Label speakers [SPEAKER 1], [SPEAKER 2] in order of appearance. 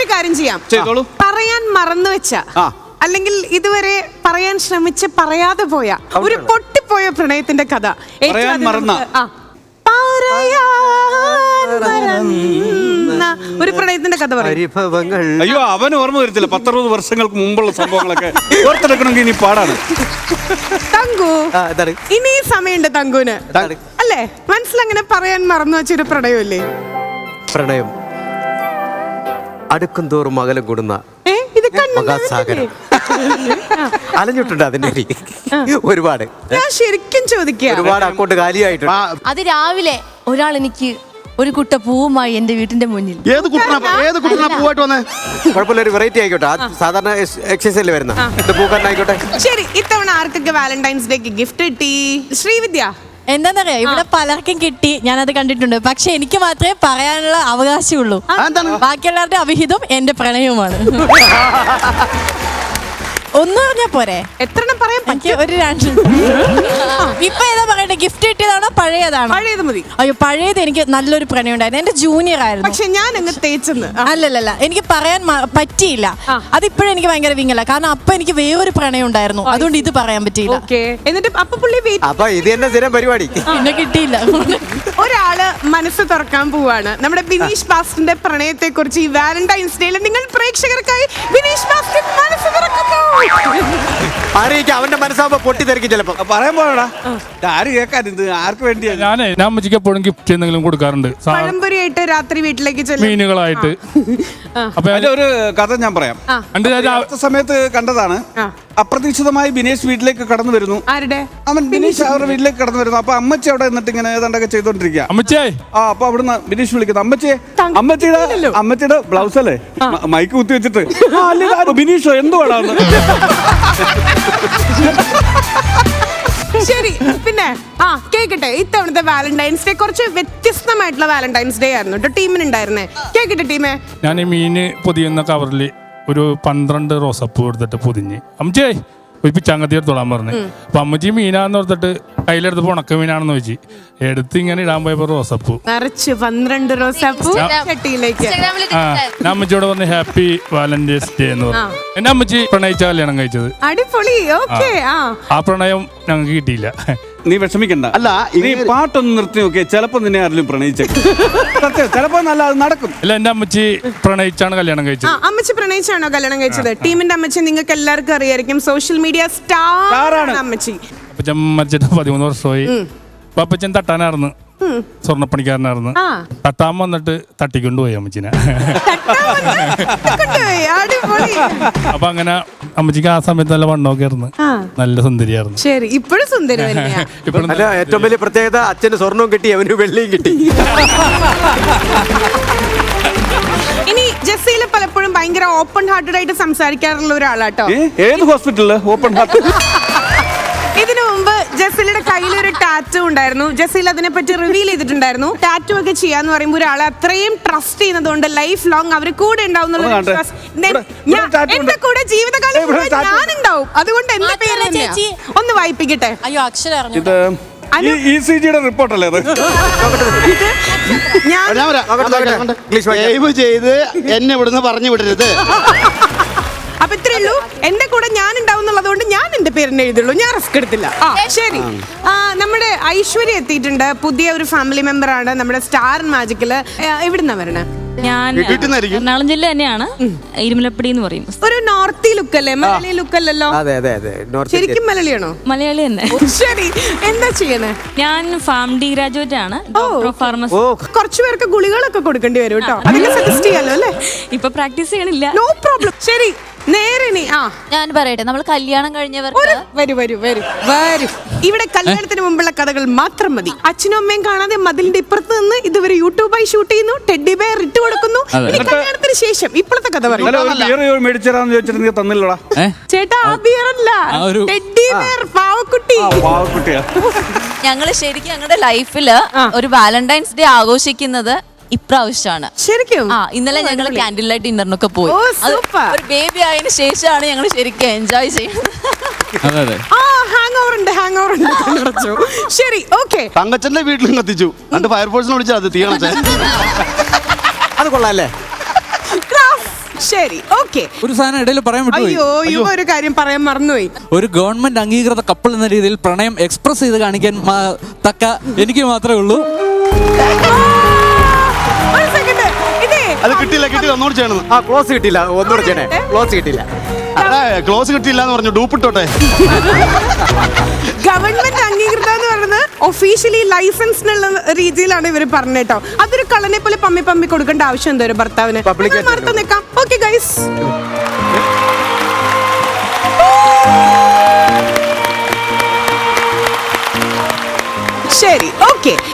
[SPEAKER 1] ഒരു കാര്യം ചെയ്യാം, പറയാൻ മറന്നു വെച്ച അല്ലെങ്കിൽ ഇതുവരെ പറയാൻ ശ്രമിച്ച് പറയാതെ പോയ ഒരു പൊട്ടിപ്പോയ പ്രണയത്തിന്റെ കഥ ഒരു പ്രണയത്തിന്റെ കഥ പറയും.
[SPEAKER 2] അയ്യോ, അവന് ഓർമ്മ വരത്തില്ല. 10-60 വർഷങ്ങൾക്ക് മുമ്പുള്ള സംഭവങ്ങളൊക്കെ ഓർത്തെടുക്കണമെങ്കിൽ ഇനി പാടാണ്.
[SPEAKER 1] തങ്കു, ഇനി സമയമുണ്ട് തങ്കുന് അല്ലേ? മനസ്സിലങ്ങനെ പറയാൻ മറന്നു വെച്ചൊരു പ്രണയമില്ലേ?
[SPEAKER 3] പ്രണയം അടുക്കും തോറും അകലം കൂടുന്ന മഹാസാഗരം. അലഞ്ഞിട്ടുണ്ട് അതിന്റെ ഒരുപാട്.
[SPEAKER 1] ഞാൻ ശരിക്കും ചോദിക്കുക,
[SPEAKER 3] ഒരുപാട് അക്കൗണ്ട് കാലിയായിട്ടുണ്ട്.
[SPEAKER 4] അത് രാവിലെ ഒരാൾ എനിക്ക് ഒരു കുട്ട പൂവുമായി എന്റെ വീട്ടിന്റെ മുന്നിൽ.
[SPEAKER 5] ഏത് കുട്ടനാ പൂവായിട്ട് വന്നേ?
[SPEAKER 3] കുഴപ്പമില്ല, ഒരു വെറൈറ്റി ആയിക്കോട്ടെ. സാധാരണ എക്സസൈസിൽ വരുന്ന പൂക്കാരനായിക്കോട്ടെ.
[SPEAKER 1] ശരി, ഇത്തവണ ആർക്കൊക്കെ വാലന്റൈൻസ് ഡേക്ക് ഗിഫ്റ്റ് കിട്ടി? ശ്രീവിദ്യ.
[SPEAKER 4] എന്താന്നറിയാം, ഇവിടെ പലർക്കും കിട്ടി, ഞാനത് കണ്ടിട്ടുണ്ട്. പക്ഷെ എനിക്ക് മാത്രമേ പറയാനുള്ള അവകാശമുള്ളൂ. ബാക്കിയുള്ളവരുടെ അവിഹിതം എന്റെ പ്രണയവുമാണ്. ഒന്ന് പറഞ്ഞാ പോരെ?
[SPEAKER 1] എത്രണ്ണം പറയാൻ പറ്റും?
[SPEAKER 4] ഒരു 2. ഇപ്പൊ ഏതാ പറയട്ടെ? ഗിഫ്റ്റ് കിട്ടിയതാണോ പഴയതാണോ?
[SPEAKER 1] പഴയത് മതി.
[SPEAKER 4] അയ്യോ, പഴയത് എനിക്ക് നല്ലൊരു പ്രണയം ഉണ്ടായിരുന്നു. എന്റെ ജൂനിയർ ആയിരുന്നു.
[SPEAKER 1] പക്ഷെ ഞാൻ അങ്ങ് തേച്ചെന്ന്.
[SPEAKER 4] അല്ലല്ല, എനിക്ക് പറയാൻ പറ്റിയില്ല. അതിപ്പോഴും എനിക്ക് ഭയങ്കര വിങ്ങല. കാരണം അപ്പൊ എനിക്ക് വേറൊരു പ്രണയം ഉണ്ടായിരുന്നു, അതുകൊണ്ട് ഇത് പറയാൻ പറ്റിയില്ല.
[SPEAKER 1] എന്നിട്ട് അപ്പൊ പുള്ളി
[SPEAKER 3] ഇത് തന്നെ സ്ഥിരം പരിപാടി.
[SPEAKER 4] പിന്നെ കിട്ടിയില്ല.
[SPEAKER 1] ഒരാള് മനസ്സ് തുറക്കാൻ പോവാണ്. നമ്മുടെ ബിനീഷ് ബാസ്റ്റിന്റെ പ്രണയത്തെ കുറിച്ച് ഈ വാലന്റൈൻസ് ഡേയിൽ നിങ്ങൾ പ്രേക്ഷകർക്കായി ബിനീഷ് ബാസ്റ്റിൻ മനസ്സ് തുറക്കുന്നു.
[SPEAKER 3] അവന്റെ മനസ്സാകുമ്പോ പൊട്ടിത്തെറിക്കും ചിലപ്പോ.
[SPEAKER 2] പറയാൻ പോടാ, ആര് കേൾക്കാൻ? ഇത് ആർക്ക് വേണ്ടിയാ?
[SPEAKER 6] ഞാൻ അമ്മച്ചിക്ക് എപ്പോഴും ഗിഫ്റ്റ് എന്തെങ്കിലും കൊടുക്കാറുണ്ട്.
[SPEAKER 1] പഴംപൊരിയായിട്ട് രാത്രി വീട്ടിലേക്ക് ചെല്ലും,
[SPEAKER 6] മീനുകളായിട്ട്.
[SPEAKER 2] അപ്പൊ ഒരു കഥ ഞാൻ പറയാം. സമയത്ത് കണ്ടതാണ്. അപ്രതീക്ഷിതമായി ബിനേഷ് വീട്ടിലേക്ക് കടന്നു വരുന്നു. അവൻ ബിനീഷ് അവരുടെ വീട്ടിലേക്ക് കടന്നു വരുന്നു. അപ്പൊ അമ്മച്ചി അവിടെ നിന്നിട്ട് ഇങ്ങനെ ഏതാണ്ടൊക്കെ ചെയ്തോണ്ടിരിക്കുക.
[SPEAKER 6] അമ്മച്ചേ,
[SPEAKER 2] അപ്പൊ അവിടുന്ന് ബിനീഷ് വിളിക്കുന്നു, അമ്മച്ചിയുടെ ബ്ലൗസ് അല്ലേ മൈക്ക് കുത്തി വെച്ചിട്ട്, ബിനീഷോ എന്തുവാടാന്ന്.
[SPEAKER 1] ശരി, പിന്നെ കേക്കട്ടെ, ഇത്തവണത്തെ വാലന്റൈൻസ് ഡേ കുറച്ച് വ്യത്യസ്തമായിട്ടുള്ള വാലന്റൈൻസ് ഡേ ആയിരുന്നു കേട്ടോ ടീമിനുണ്ടായിരുന്നേ. കേക്കട്ടെ ടീമേ.
[SPEAKER 6] ഞാൻ ഈ മീന് പൊതിയുന്ന കവറിൽ ഒരു 12 റോസപ്പൂ എടുത്തിട്ട് പൊതിഞ്ഞ് അമ്മച്ചേ ഒരു പിച്ചാങ്കത്തി എടുത്തോളാൻ പറഞ്ഞു. അപ്പൊ അമ്മച്ചി മീനാന്ന് ഓർത്തിട്ട് കയ്യിലെടുത്ത് ഉണക്ക മീനാണെന്ന് വെച്ച് എടുത്ത് ഇങ്ങനെ ഇടാൻ പോയപ്പോ റോസപ്പൂ
[SPEAKER 1] നിറച്ച് 12 റോസപ്പൂ ചട്ടിയിലേക്ക്.
[SPEAKER 6] ഞാൻ അമ്മച്ചിയോട് പറഞ്ഞു ഹാപ്പി വാലന്റൈൻസ് ഡേ എന്ന് പറഞ്ഞു. എന്നെ അമ്മച്ചി പ്രണയിച്ച കല്യാണം കഴിച്ചത്.
[SPEAKER 1] അടിപൊളി.
[SPEAKER 6] ആ പ്രണയം ഞങ്ങൾക്ക് കിട്ടിയില്ല.
[SPEAKER 2] നീ വിഷമിക്കണ്ട. അല്ല, നീ പാട്ടൊന്ന് നിർത്തി നോക്കിയേ, ചിലപ്പോ നിന്നെ ആരെങ്കിലും പ്രണയിച്ചേക്കും. ചിലപ്പോ നല്ല അത് നടക്കും.
[SPEAKER 6] അല്ല, എന്റെ അമ്മച്ചി പ്രണയിച്ചാണ് കല്യാണം കഴിച്ചത്.
[SPEAKER 1] അമ്മച്ചി പ്രണയിച്ചാണോ കല്യാണം കഴിച്ചത്? ടീമിന്റെ അമ്മച്ചി നിങ്ങൾക്ക് എല്ലാവർക്കും അറിയായിരിക്കും, സോഷ്യൽ മീഡിയ സ്റ്റാർ ആണ് അമ്മച്ചി.
[SPEAKER 6] അപ്പച്ചൻ മരിച്ചിട്ട് 13 വർഷമായി. അപ്പൊ അപ്പച്ചൻ തട്ടാനായിരുന്നു, സ്വർണ്ണപ്പണിക്കാരനായിരുന്നു. തട്ടാൻ വന്നിട്ട് തട്ടിക്കൊണ്ടുപോയി അമ്മച്ചിനെ. അപ്പൊ അങ്ങനെ അമ്മച്ചിക്ക് ആ സമയത്ത് നല്ല വണ്ണമൊക്കെ ആയിരുന്നു, നല്ല സുന്ദരിയായിരുന്നു.
[SPEAKER 1] ശരി, ഇപ്പോഴും സുന്ദരി.
[SPEAKER 3] ഏറ്റവും വലിയ പ്രത്യേകത അച്ഛന് സ്വർണവും കിട്ടി, അവന് വെള്ളിയും കിട്ടി.
[SPEAKER 1] ഇനി ജസീല പലപ്പോഴും ഭയങ്കര ഓപ്പൺ ഹാർട്ടഡ് ആയിട്ട് സംസാരിക്കാറുള്ള ഒരാളാട്ടോ.
[SPEAKER 2] ഏത് ഹോസ്പിറ്റലില് ഓപ്പൺ ഹാർട്ട്?
[SPEAKER 1] ഇതിനു മുമ്പ് ജസീലയുടെ കയ്യിൽ ഒരു ടാറ്റു ഉണ്ടായിരുന്നു. ജസീൽ അതിനെ പറ്റി റിവീൽ ചെയ്തിട്ടുണ്ടായിരുന്നു. ടാറ്റു ഒക്കെ ചെയ്യാന്ന് പറയുമ്പോൾ ഒരാളെ അത്രയും ട്രസ്റ്റ് ചെയ്യുന്നതുകൊണ്ട് ലൈഫ് ലോങ് അവർ കൂടെ ഉണ്ടാവും. എന്റെ കൂടെ ജീവിതകാലം ഞാനുണ്ടാവും. അതുകൊണ്ട് എന്റെ പേര് ഒന്ന് വായിപ്പിക്കട്ടെ.
[SPEAKER 4] അയ്യോ, അക്ഷരം
[SPEAKER 2] റിപ്പോർട്ടല്ലേ അത്?
[SPEAKER 5] ചെയ്ത് എന്നെ ഇവിടുന്ന് പറഞ്ഞു വിടരുത്.
[SPEAKER 1] അപ്പൊ ഇത്രേ ഉള്ളൂ. എന്റെ കൂടെ ഞാൻ ഉണ്ടാവും എന്നുള്ളതുകൊണ്ട് ഞാൻ എന്റെ പേരിനെ എഴുതുള്ളൂ, ഞാൻ റിസ്ക് എടുത്തില്ല. ശരി, നമ്മുടെ ഐശ്വര്യ എത്തിയിട്ടുണ്ട്. പുതിയ ഒരു ഫാമിലി മെമ്പർ ആണ് നമ്മുടെ സ്റ്റാർ മാജിക്കില്. എവിടുന്നാ വരണേ?
[SPEAKER 7] ഞാൻ എറണാകുളം ജില്ല തന്നെയാണ്, ഇരുമലപ്പടി എന്ന് പറയും.
[SPEAKER 1] ഒരു നോർത്തി ലുക്ക് അല്ലേ, മലയാളി ലുക്ക് അല്ലല്ലോ? ശരിക്കും മലയാളിയാണോ?
[SPEAKER 7] മലയാളി തന്നെ.
[SPEAKER 1] ശരി, എന്താ ചെയ്യണേ?
[SPEAKER 7] ഞാൻ ഫാർമഡി ഗ്രാജുവേറ്റ് ആണ്, ഫാർമസി.
[SPEAKER 1] കുറച്ചു പേർക്ക് ഗുളികളൊക്കെ കൊടുക്കേണ്ടി വരും കേട്ടോ, അതൊക്കെ സജസ്റ്റ് ചെയ്യാലോ അല്ലേ?
[SPEAKER 7] ഇപ്പൊ പ്രാക്ടീസ് ചെയ്യണില്ല.
[SPEAKER 1] No problem. ശരി, നേരെ
[SPEAKER 4] ഞാൻ പറയട്ടെ, നമ്മൾ കല്യാണം കഴിഞ്ഞവർക്ക്
[SPEAKER 1] വരൂ. ഇവിടെ കല്യാണത്തിന് മുമ്പുള്ള കഥകൾ മാത്രം മതി. അച്ഛനും അമ്മയും കാണാതെ മതിലിന്റെ ഇപ്പുറത്ത് നിന്ന് ഇതുവരെ യൂട്യൂബായി ഷൂട്ട് ചെയ്യുന്നു, ടെഡി ബെയർ ഇട്ട് കൊടുക്കുന്നു. കല്യാണത്തിന് ശേഷം ഇപ്പോഴത്തെ കഥ പറയും. ചേട്ടാ, ആ ബിയർ അല്ല, ടെഡി ബെയർ, പാവക്കുട്ടി.
[SPEAKER 4] ഞങ്ങള് ശരിക്കും ഞങ്ങളുടെ ലൈഫില് ഒരു വാലന്റൈൻസ് ഡേ ആഘോഷിക്കുന്നത് ഇപ്രാവശ്യമാണ്.
[SPEAKER 1] ശരിക്കും
[SPEAKER 4] ഇന്നലെ ഞങ്ങൾ ക്യാൻഡിൽ ലൈറ്റ് ഡിന്നറിനൊക്കെ പോയി. ഒരു ബേബി ആയതിനു ശേഷമാണ് ഞങ്ങൾ ശരിക്കും എൻജോയ് ചെയ്യുന്നത്.
[SPEAKER 1] ശരി, ഓക്കെ.
[SPEAKER 5] തങ്കച്ചന്റെ വീട്ടിലും കത്തിച്ചു, ഫയർഫോഴ്സിനെ വിളിച്ചാൽ അത് തീയണേ.
[SPEAKER 3] അത് കൊള്ളാല്ലേ?
[SPEAKER 1] ശരി, ഓക്കെ.
[SPEAKER 8] ഒരു സാധനം ഇടയിൽ പറയാൻ വിട്ടുപോയി.
[SPEAKER 1] അയ്യോ, ഇവ ഒരു കാര്യം പറയാൻ മറന്നുപോയി.
[SPEAKER 8] ഒരു ഗവൺമെന്റ് അംഗീകൃത കപ്പിൾ എന്ന രീതിയിൽ പ്രണയം എക്സ്പ്രസ് ചെയ്ത് കാണിക്കാൻ തക്ക എനിക്ക് മാത്രമേ ഉള്ളൂ.
[SPEAKER 1] ഒരു സെക്കൻഡ്, ഇതേ
[SPEAKER 5] അത് കിട്ടിയില്ല ഒന്നുകൂടി ചെയ്യണം.
[SPEAKER 3] ആ ക്ലോസ് കിട്ടിയില്ല, ഒന്നുകൂടെ ചെയ്യണേ. ക്ലോസ് കിട്ടിയില്ല.
[SPEAKER 5] ക്ലോസ് കിട്ടിയില്ല എന്ന് പറഞ്ഞു, ഡൂപ്പിട്ടോട്ടെ.
[SPEAKER 1] ഗവൺമെന്റ് അംഗീകൃത എന്ന് പറയുന്നത് ഒഫീഷ്യലി ലൈസൻസ് എന്നുള്ള രീതിയിലാണ് ഇവർ പറഞ്ഞേട്ടോ. അതൊരു കള്ളനെ പോലെ പമ്മി കൊടുക്കേണ്ട ആവശ്യം എന്തോ ഒരു ഭർത്താവിന്. മറുത്ത് നിൽക്കാം. ഓക്കെ ഗൈസ്, ശരി, ഓക്കെ.